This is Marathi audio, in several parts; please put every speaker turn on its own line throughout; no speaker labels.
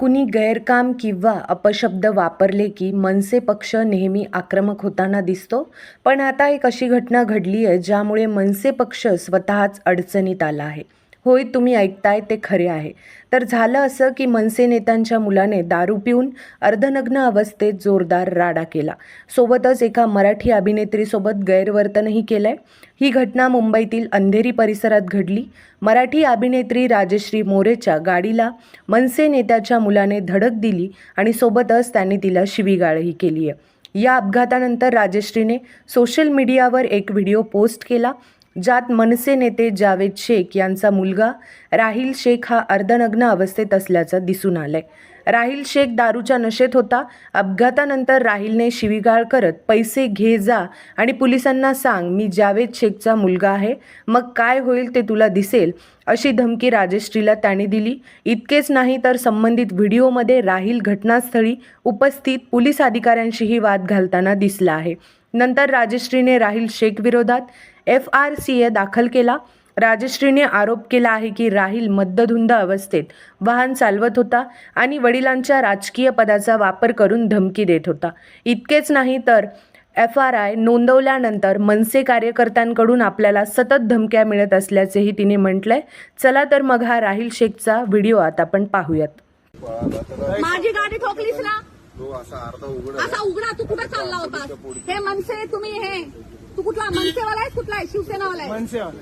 कुणी गैरकाम किंवा अपशब्द वापरले की मनसे पक्ष नेहमी आक्रमक होताना दिसतो. पण आता एक अशी घटना घडली आहे ज्यामुळे मनसे पक्ष स्वतःच अडचणीत आला आहे. होय, तुम्ही ऐकताय ते खरे आहे. तर झालं असं की मनसे नेत्यांच्या मुलाने दारू पिऊन अर्धनग्न अवस्थेत जोरदार राडा केला. सोबतच एका मराठी अभिनेत्रीसोबत गैरवर्तनही केलंय. ही घटना मुंबईतील अंधेरी परिसरात घडली. मराठी अभिनेत्री राजश्री मोरेच्या गाडीला मनसे नेत्याच्या मुलाने धडक दिली आणि सोबतच त्यांनी तिला शिवीगाळही केली आहे. या अपघातानंतर राजश्रीने सोशल मीडियावर एक व्हिडिओ पोस्ट केला ज्यात मनसे नेते जावेद शेख यांचा मुलगा राहिल शेख हा अर्धनग्न अवस्थेत असल्याचं दिसून आलंय. राहिल शेख दारूच्या नशेत होता. अपघातानंतर राहिलने शिवीगाळ करत पैसे घे जा आणि पोलिसांना सांग मी जावेद शेखचा मुलगा आहे, मग काय होईल ते तुला दिसेल, अशी धमकी राजश्रीला त्याने दिली. इतकेच नाही तर संबंधित व्हिडिओमध्ये राहिल घटनास्थळी उपस्थित पोलीस अधिकाऱ्यांशीही वाद घालताना दिसला आहे. नंतर राजश्रीने राहिल शेख विरोधात FRCA दाखल केला. राजश्रीने आरोप केला आहे की राहिल मद्यधुंद अवस्थेत वाहन चालवत होता आणि वडिलांच्या राजकीय पदाचा वापर करून धमकी देत होता. इतकेच नाही तर FRI नोंदवल्यानंतर मनसे कार्यकर्त्यांकडून आपल्याला सतत धमक्या मिळत असल्याचेही तिने म्हटलंय. चला तर मग हा राहिल शेखचा व्हिडिओ आता आपण पाहूयात.
माझी गाडी ठोकलीस ना, असा उघडा. तू कुठे चालला होता? हे मनसे, तुम्ही हे तू कुठला मनसेवाला आहे? कुठला आहे? शिवसेनावाला आहे?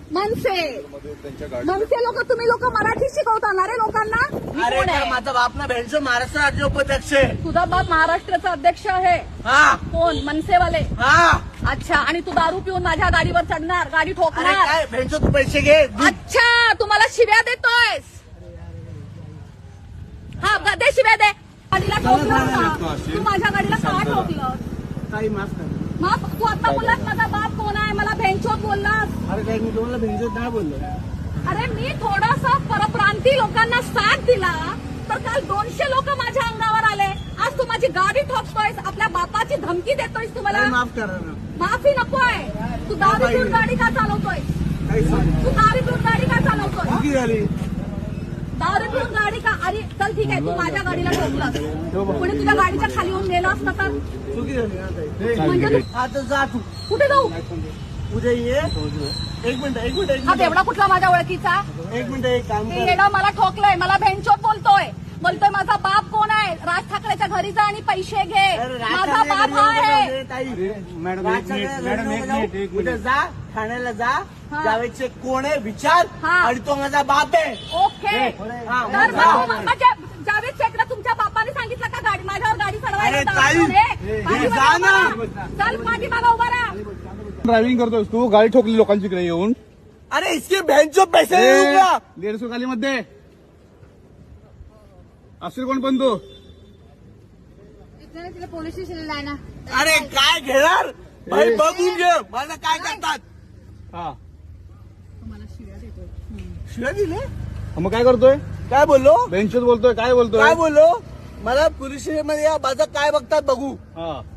मनसे लोक, तुम्ही लोक मराठी शिकवता रे लोकांना?
अरे माझा बाप ना भेंडचो महाराष्ट्र राज्य उपाध्यक्ष आहे.
तुझा बाप महाराष्ट्राचा अध्यक्ष आहे?
हा.
कोण? मनसेवाले?
हा.
अच्छा. आणि तू दारू पिऊन माझ्या गाडीवर चढणार, गाडी
अरे
ठोकणार?
काय भेंडचो, तू पैसे घे.
अच्छा, तू मला शिव्या देतोयस? हा, दे शिव्या दे. गाडीला ठोकलं का? तू माझ्या गाडीला का ठोकलं?
काही माफ कर.
मग तू आता बोललास माझा बाप कोण आहे, मला भेंचोत बोललास.
अरे काय मी तुम्हाला भेंडचोत नाही बोललो.
अरे मी थोडासा परप्रांती लोकांना साथ दिला तर काल 200 लोक माझ्या अंगावर आले. आज तू माझी गाडी ठोकतोयस, आपल्या बापाची धमकी देतोयस. तुम्हाला
माफ करा ना.
माफी नकोय. तू दारू पिऊन गाडी का चालवतोय? तू दारू पिऊन गाडी का चालवतोय?
चुकी झाली.
दारू पिऊन गाडी का? अरे चल ठीक आहे, तू माझ्या गाडीला ठोकलास, कोणी तुझ्या गाडीच्या खाली येऊन गेलं असतं तर?
चुकी झाली.
म्हणजे
आता जा तू.
कुठे जाऊ?
उद्या ये. एक मिनिट.
हा बेवडा कुठला माझ्या ओळखीचा?
एक मिनिट. एक काम
ते
कर.
येडा मला ठोकलंय, मला भेंचोत बोलतोय माझा बाप कोण आहे? राज ठाकरेच्या घरी जा आणि पैसे घे. माझा बाप हा आहे.
मॅडम उद्या जा, ठाण्याला जा. जावेद शेख कोण आहे विचार, आणि तो माझा बाप आहे.
ओके. तर मग जावेद शेखला तुमच्या बापाने सांगितलं का गाडी माझ्यावर गाडी चढवायला? चल पाठीमागा उभा राहा.
ड्रायव्हिंग करतोस तू, गाडी ठोकली लोकांची इकडे येऊन.
अरे इसके बहनचो पैसे देऊ का?
150 खाली मध्ये असेल कोण पण तू.
पोलीस स्टेशनला जाय ना.
अरे काय घेणार भाई, बघून घे मला काय करतात.
हा
शिव्या दिले.
मग काय करतोय?
काय बोललो?
बेंचच बोलतोय. काय बोलतोय?
काय बोललो? मला पोलीस स्टेशन मध्ये या, माझं काय बघतात बघू.
हा